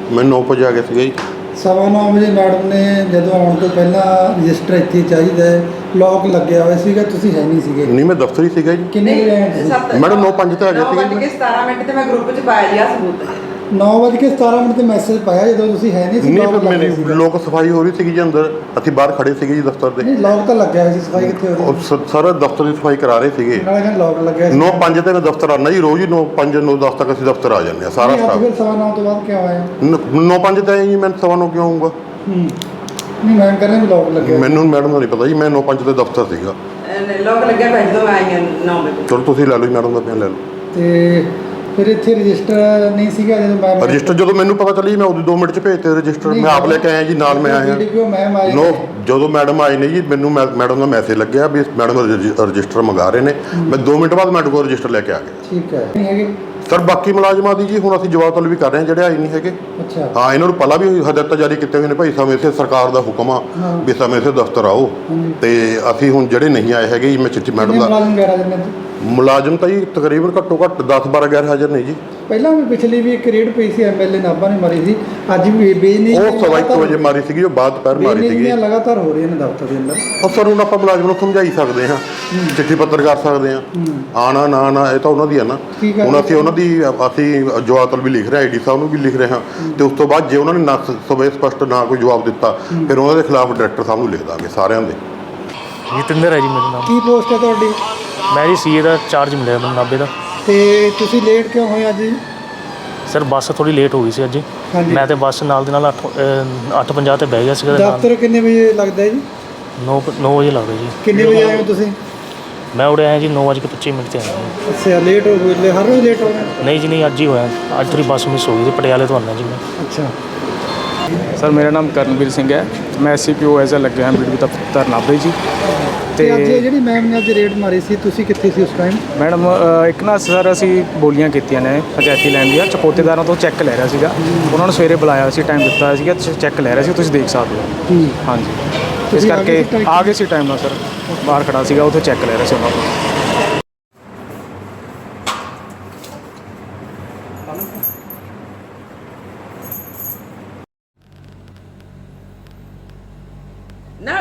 मैं 9 ਵਜੇ ਆ ਗਿਆ ਸੀਗਾ ਜੀ। 9:15 ਵਜੇ ਮੈਡਮ ਨੇ ਜਦੋਂ ਆਉਣ ਤੋਂ ਪਹਿਲਾਂ ਰਜਿਸਟਰ ਇੱਥੇ ਚਾਹੀਦਾ ਲੌਕ ਲੱਗਿਆ ਹੋਇਆ ਸੀਗਾ, ਤੁਸੀਂ ਹੈ ਨਹੀਂ ਸੀਗੇ? ਨਹੀਂ, ਮੈਂ ਦਫ਼ਤਰ ਹੀ ਸੀਗਾ ਜੀ। ਕਿੰਨੇ ਵਜੇ ਆਏ ਤੁਸੀਂ? ਮੈਡਮ 9:05 ਤੇ ਆ ਗਿਆ ਸੀਗਾ। 9:17 ਤੇ ਮੈਂ ਗਰੁੱਪ 'ਚ ਪਾਇਆ ਜੀ ਆ ਸਬੂਤ। 9:17 ਤੇ ਮੈਸੇਜ ਪਾਇਆ ਜਦੋਂ ਤੁਸੀਂ ਹੈ ਨਹੀਂ ਸੀ? ਨਹੀਂ, ਫਿਰ ਮੇਰੇ ਲੋਕ ਸਫਾਈ ਹੋ ਰਹੀ ਸੀਗੀ ਜੀ ਅੰਦਰ, ਅਸੀਂ ਬਾਹਰ ਖੜੇ ਸੀਗੇ ਜੀ ਦਫ਼ਤਰ ਦੇ। ਨਹੀਂ, ਲੌਕ ਤਾਂ ਲੱਗਿਆ ਹੋਇਆ ਸੀ, ਸਫਾਈ ਕਿੱਥੇ ਹੋ ਰਹੀ ਸੀ? ਸਾਰਾ ਦਫ਼ਤਰ ਦੀ ਸਫਾਈ ਕਰਾ ਰਹੇ ਸੀਗੇ। ਨਾਲੇ ਕਹਿੰਦੇ ਲੌਕ ਲੱਗਿਆ ਸੀ। 9:05 ਤੇ ਮੈਂ ਦਫ਼ਤਰ ਆਉਂਦਾ ਜੀ ਰੋਜ਼ ਹੀ। 9:05 9:10 ਤੱਕ ਅਸੀਂ ਦਫ਼ਤਰ ਆ ਜਾਂਦੇ ਹਾਂ ਸਾਰਾ ਨਹੀਂ, ਅੱਜ ਸਟਾਫ। ਫਿਰ 9:15 ਤੋਂ ਬਾਅਦ ਕਿਉਂ ਆਇਆ? 9:05 ਤੇ ਆਏ ਜੀ, ਮੈਂ 9:15 ਕਿਉਂ ਆਊਂਗਾ? ਨਹੀਂ, ਮੈਂ ਕਹਿੰਦਾ ਵੀ ਲੌਕ ਲੱਗਿਆ। ਮੈਨੂੰ ਮੈਡਮ ਦਾ ਨਹੀਂ ਪਤਾ ਜੀ, ਮੈਂ 9:05 ਤੇ ਦਫ਼ਤਰ ਸੀਗਾ। ਲੋਕ ਲੱਗਿਆ ਬੈਠ ਦੋ ਆਈ 9 ਵਜੇ। ਚਲੋ ਤੁਸੀਂ ਲੈ ਲਓ ਜੀ, ਮੈਡਮ ਦਾ ਬਿਆਨ ਲੈ ਲਓ। ਤੇ ਫਿਰ ਇੱਥੇ ਰਜਿਸਟਰ ਨਹੀਂ ਸੀਗਾ ਜਦੋਂ ਮੈਂ ਰਜਿਸਟਰ ਜਦੋਂ ਮੈਨੂੰ ਪਤਾ ਚੱਲੀ ਮੈਂ ਉਹਦੇ 2 ਮਿੰਟ 'ਚ ਭੇਜਤੇ ਰਜਿਸਟਰ। ਮੈਂ ਆਪ ਲੈ ਕੇ ਆਇਆ ਜੀ, ਨਾਲ ਮੈਂ ਆਇਆ। ਮੈਮ ਆਏ ਜਦੋਂ ਮੈਡਮ ਆਏ ਨੇ ਜੀ, ਮੈਨੂੰ ਮੈਡਮ ਦਾ ਮੈਸੇਜ ਲੱਗਿਆ ਵੀ ਮੈਡਮ ਰਜਿਸਟਰ ਮੰਗਾ ਰਹੇ ਨੇ। ਮੈਂ 2 ਮਿੰਟ ਬਾਅਦ ਮੈਡਮ ਕੋਲ ਰਜਿਸਟਰ ਲੈ ਕੇ ਆ ਗਿਆ। ਠੀਕ ਹੈ। ਨਹੀਂ ਹੈਗੇ ਸਰ, ਬਾਕੀ ਮੁਲਾਜ਼ਮਾਂ ਦੀ ਜੀ ਹੁਣ ਅਸੀਂ ਜਵਾਬ ਤਲਬ ਵੀ ਕਰ ਰਹੇ ਹਾਂ ਜਿਹੜੇ ਆਏ ਨਹੀਂ ਹੈਗੇ। ਅੱਛਾ। ਹਾਂ, ਇਹਨਾਂ ਨੂੰ ਪਹਿਲਾਂ ਵੀ ਹਦਾਇਤਾਂ ਜਾਰੀ ਕੀਤੀਆਂ ਹੋਈਆਂ ਨੇ ਭਾਈ, ਸਮੇਂ ਸਿਰ ਸਰਕਾਰ ਦਾ ਹੁਕਮ ਆ ਵੀ ਸਮੇਂ ਸਿਰ ਦਫ਼ਤਰ ਆਓ। ਤੇ ਅਸੀਂ ਹੁਣ ਜਿਹੜੇ ਨਹੀਂ ਆਏ ਹੈਗੇ ਜੀ, ਮੈਂ ਚਿੱਠੀ ਮੈਡਮ ਦਾ ਮੁਲਾਜ਼ਮ ਤਾਂ ਜੀ ਤਕਰੀਬਨ ਘੱਟੋ ਘੱਟ 10-12 ਗੈਰ ਹਾਜ਼ਰ ਨੇ ਜੀ। ਪਹਿਲਾਂ ਵੀ ਪਿਛਲੀ ਵੀ ਇੱਕ ਰੇਡ ਪਈ ਸੀ, ਐਮਐਲਏ ਨਾਭਾ ਨੇ ਮਾਰੀ ਸੀ। ਅੱਜ ਵੀ ਬੇਨੀ ਉਹ 1:15 ਵਜੇ ਮਾਰੀ ਸੀਗੀ, ਉਹ ਬਾਅਦ ਦੁਪਹਿਰ ਮਾਰੀ ਸੀਗੀ। ਲਗਾਤਾਰ ਹੋ ਰਹੀਆਂ ਨੇ ਦਫ਼ਤਰ ਦੇ ਅੰਦਰ। ਉਹ ਸਰ ਹੁਣ ਆਪਾਂ ਮੁਲਾਜ਼ਮ ਨੂੰ ਸਮਝਾਈ ਸਕਦੇ ਹਾਂ, ਚਿੱਠੀ ਪੱਤਰ ਕਰ ਸਕਦੇ ਹਾਂ। ਆਣਾ ਨਾ ਇਹ ਤਾਂ ਉਹਨਾਂ ਦੀ ਆ ਨਾ। ਹੁਣ ਅਸੀਂ ਉਹਨਾਂ ਦੀ ਜਵਾਬ ਤਲਬ ਵੀ ਲਿਖ ਰਹੇ, ਆਈਡੀ ਸਾਹਿਬ ਨੂੰ ਵੀ ਲਿਖ ਰਹੇ ਹਾਂ। ਤੇ ਉਸ ਤੋਂ ਬਾਅਦ ਜੇ ਉਹਨਾਂ ਨੇ ਨਾ ਸਪਸ਼ਟ ਨਾ ਕੋਈ ਜਵਾਬ ਦਿੱਤਾ, ਫਿਰ ਉਹਨਾਂ ਦੇ ਖਿਲਾਫ ਡਾਇਰੈਕਟਰ ਸਾਹਿਬ ਨੂੰ ਲਿਖ ਦਾਂਗੇ ਸਾਰਿਆਂ ਦੇ। ਜਤਿੰਦਰ ਹੈ ਜੀ ਮੇਰਾ ਨਾਮ। ਕੀ ਪੋਸਟ ਹੈ ਤੁਹਾਡੀ? ਮੈਂ ਜੀ ਸੀਏ ਦਾ ਚਾਰਜ ਮਿਲਿਆ ਮੈਨੂੰ ਨਾਭੇ ਦਾ। ਤੇ ਤੁਸੀਂ ਲੇਟ ਕਿਉਂ ਹੋਏ ਅੱਜ? ਸਰ ਬੱਸ ਥੋੜੀ ਲੇਟ ਹੋ ਗਈ ਸੀ ਅੱਜ। ਮੈਂ ਤੇ ਬੱਸ ਨਾਲ ਦੇ ਨਾਲ 8:50 ਤੇ ਬਹਿ ਗਿਆ ਸੀਗਾ। ਦਫ਼ਤਰ ਕਿੰਨੇ ਵਜੇ ਲੱਗਦਾ ਜੀ? 9 ਵਜੇ ਲੱਗਦਾ ਜੀ। ਕਿੰਨੇ ਵਜੇ ਆਏ ਹੋ ਤੁਸੀਂ? ਮੈਂ ਉਰੇ ਆਇਆ ਜੀ 9:25 ਤੇ ਆਇਆ। ਅੱਛਾ, ਲੇਟ ਹੋ ਗਏ। ਹਰ ਰੋਜ਼ ਲੇਟ ਹੋ ਗਏ? ਨਹੀਂ ਜੀ, ਨਹੀਂ, ਅੱਜ ਹੀ ਹੋਇਆ। ਅੱਜ ਥੋੜੀ ਬੱਸ ਮਿਸ ਹੋ ਗਈ ਸੀ, ਪਟਿਆਲੇ ਤੋਂ ਆਉਣਾ ਜੀ ਮੈਂ। ਅੱਛਾ ਸਰ, ਮੇਰਾ ਨਾਮ ਕਰਨਵੀਰ ਸਿੰਘ ਹੈ। ਮੈਂ SCPO ਐਜ਼ ਲੱਗਿਆ ਹਾਂ ਬੀਡੀ ਦਫ਼ਤਰ ਨਾਭੇ ਜੀ। ਤੇ ਅੱਜ ਜਿਹੜੀ ਮੈਮ ਨੇ ਅੱਜ ਰੇਡ ਮਾਰੀ ਸੀ, ਤੁਸੀਂ ਕਿੱਥੇ ਸੀ ਉਸ ਟਾਈਮ? ਮੈਡਮ ਇੱਕ ਨਾ ਸਰ ਅਸੀਂ ਬੋਲੀਆਂ ਕੀਤੀਆਂ ਨੇ ਪੰਚਾਇਤੀ ਲੈਣ ਦੀਆਂ, ਚਪੋਤੇਦਾਰਾਂ ਤੋਂ ਚੈੱਕ ਲੈ ਰਿਹਾ ਸੀਗਾ। ਉਹਨਾਂ ਨੂੰ ਸਵੇਰੇ ਬੁਲਾਇਆ ਸੀ, ਟਾਈਮ ਦਿੱਤਾ ਸੀਗਾ, ਚੈੱਕ ਲੈ ਰਿਹਾ ਸੀ, ਤੁਸੀਂ ਦੇਖ ਸਕਦੇ ਹੋ। ਹਾਂਜੀ, ਇਸ ਕਰਕੇ ਆ ਗਏ ਸੀ ਟਾਈਮ ਨਾਲ ਸਰ। ਬਾਹਰ ਖੜਾ ਸੀਗਾ, ਉੱਥੇ ਚੈੱਕ ਲੈ ਰਿਹਾ ਸੀ ਉਹਨਾਂ ਤੋਂ। ਨਾ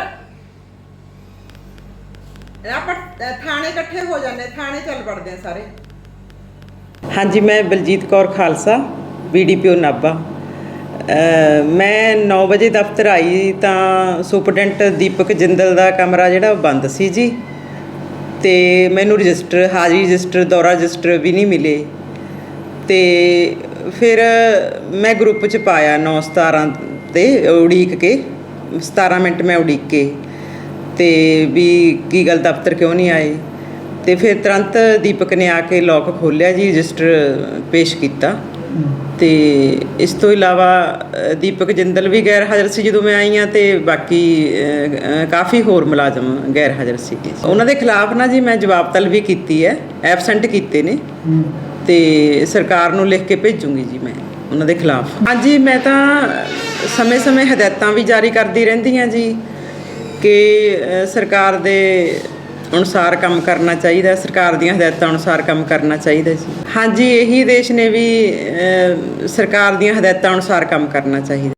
ਆਪਾਂ ਥਾਣੇ ਇਕੱਠੇ ਹੋ ਜਾਂਦੇ, ਥਾਣੇ ਚੱਲ ਪੜਦੇ ਆ ਸਾਰੇ। ਹਾਂਜੀ, ਮੈਂ ਬਲਜੀਤ ਕੌਰ ਖਾਲਸਾ, BDPO ਨਾਭਾ। ਮੈਂ 9 ਵਜੇ ਦਫ਼ਤਰ ਆਈ ਤਾਂ ਸੁਪਰਡੈਂਟ ਦੀਪਕ ਜਿੰਦਲ ਦਾ ਕਮਰਾ ਜਿਹੜਾ ਬੰਦ ਸੀ ਜੀ। ਤੇ ਮੈਨੂੰ ਰਜਿਸਟਰ, ਹਾਜ਼ਰੀ ਰਜਿਸਟਰ, ਦੌਰਾ ਰਜਿਸਟਰ ਵੀ ਨਹੀਂ ਮਿਲੇ। ਤੇ ਫਿਰ ਮੈਂ ਗਰੁੱਪ 'ਚ ਪਾਇਆ 9:17 ਤੇ ਉਡੀਕ ਕੇ 17 ਮਿੰਟ ਮੈਂ ਉਡੀਕ ਕੇ, ਤੇ ਵੀ ਕੀ ਗੱਲ ਦਫ਼ਤਰ ਕਿਉਂ ਨਹੀਂ ਆਏ। ਤੇ ਫਿਰ ਤੁਰੰਤ ਦੀਪਕ ਨੇ ਆ ਕੇ ਲੋਕ ਖੋਲ੍ਹਿਆ ਜੀ, ਰਜਿਸਟਰ ਪੇਸ਼ ਕੀਤਾ। ਤੇ ਇਸ ਤੋਂ ਇਲਾਵਾ ਦੀਪਕ ਜਿੰਦਲ ਵੀ ਗੈਰ ਹਾਜ਼ਰ ਸੀ ਜਦੋਂ ਮੈਂ ਆਈ ਹਾਂ, ਤੇ ਬਾਕੀ ਕਾਫੀ ਹੋਰ ਮੁਲਾਜ਼ਮ ਗੈਰ ਹਾਜ਼ਰ ਸੀਗੇ। ਉਹਨਾਂ ਦੇ ਖਿਲਾਫ ਨਾ ਜੀ ਮੈਂ ਜਵਾਬ ਤਲਬ ਵੀ ਕੀਤੀ ਹੈ, ਐਬਸੈਂਟ ਕੀਤੇ ਨੇ, ਤੇ ਸਰਕਾਰ ਨੂੰ ਲਿਖ ਕੇ ਭੇਜੂੰਗੀ ਜੀ ਮੈਂ ਉਹਨਾਂ ਦੇ ਖਿਲਾਫ। ਹਾਂਜੀ, ਮੈਂ ਤਾਂ ਸਮੇਂ-ਸਮੇਂ ਹਦਾਇਤਾਂ ਵੀ ਜਾਰੀ ਕਰਦੀ ਰਹਿੰਦੀ ਹਾਂ ਜੀ ਕਿ ਸਰਕਾਰ ਦੇ ਅਨੁਸਾਰ ਕੰਮ ਕਰਨਾ ਚਾਹੀਦਾ, ਸਰਕਾਰ ਦੀਆਂ ਹਦਾਇਤਾਂ ਅਨੁਸਾਰ ਕੰਮ ਕਰਨਾ ਚਾਹੀਦਾ ਜੀ। ਹਾਂਜੀ, ਇਹੀ ਦੇਸ਼ ਨੇ ਵੀ ਸਰਕਾਰ ਦੀਆਂ ਹਦਾਇਤਾਂ ਅਨੁਸਾਰ ਕੰਮ ਕਰਨਾ ਚਾਹੀਦਾ।